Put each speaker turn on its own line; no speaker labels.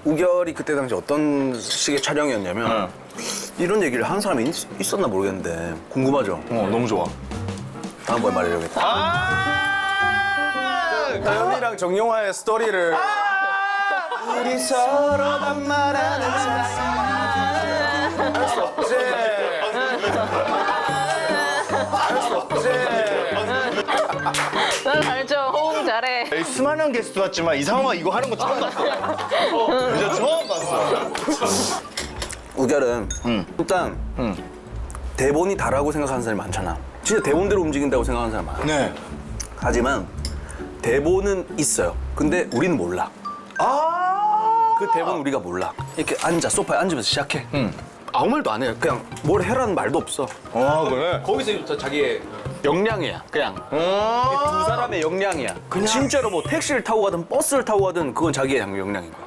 우결이 그때 당시 어떤 식의 촬영이었냐면 이런 얘기를 하는 사람이 있었나 모르겠는데 궁금하죠?
너무 좋아.
다음번에 말해야겠다.
다현이랑 정용화의 스토리를.
우리 서로만 말하는 할수 없지. 할수 없지.
난 알죠. 호응 잘해.
수많은 게스트 왔지만 이상화 이거 하는 거 처음 봤어. 진짜 처음 봤어.
우결은 일단 대본이 다라고 생각하는 사람이 많잖아. 진짜 대본대로 움직인다고 생각하는 사람 많아.
네.
하지만 대본은 있어요. 근데 우리는 몰라. 그 대본 우리가 몰라. 이렇게 앉아 소파에 앉으면서 시작해. 아무 말도 안 해. 그냥 뭘 해라는 말도 없어.
그래?
거기서부터 자기의 역량이야. 그냥 두 사람의 역량이야. 진짜로 뭐 택시를 타고 가든 버스를 타고 가든 그건 자기의 역량인 거야.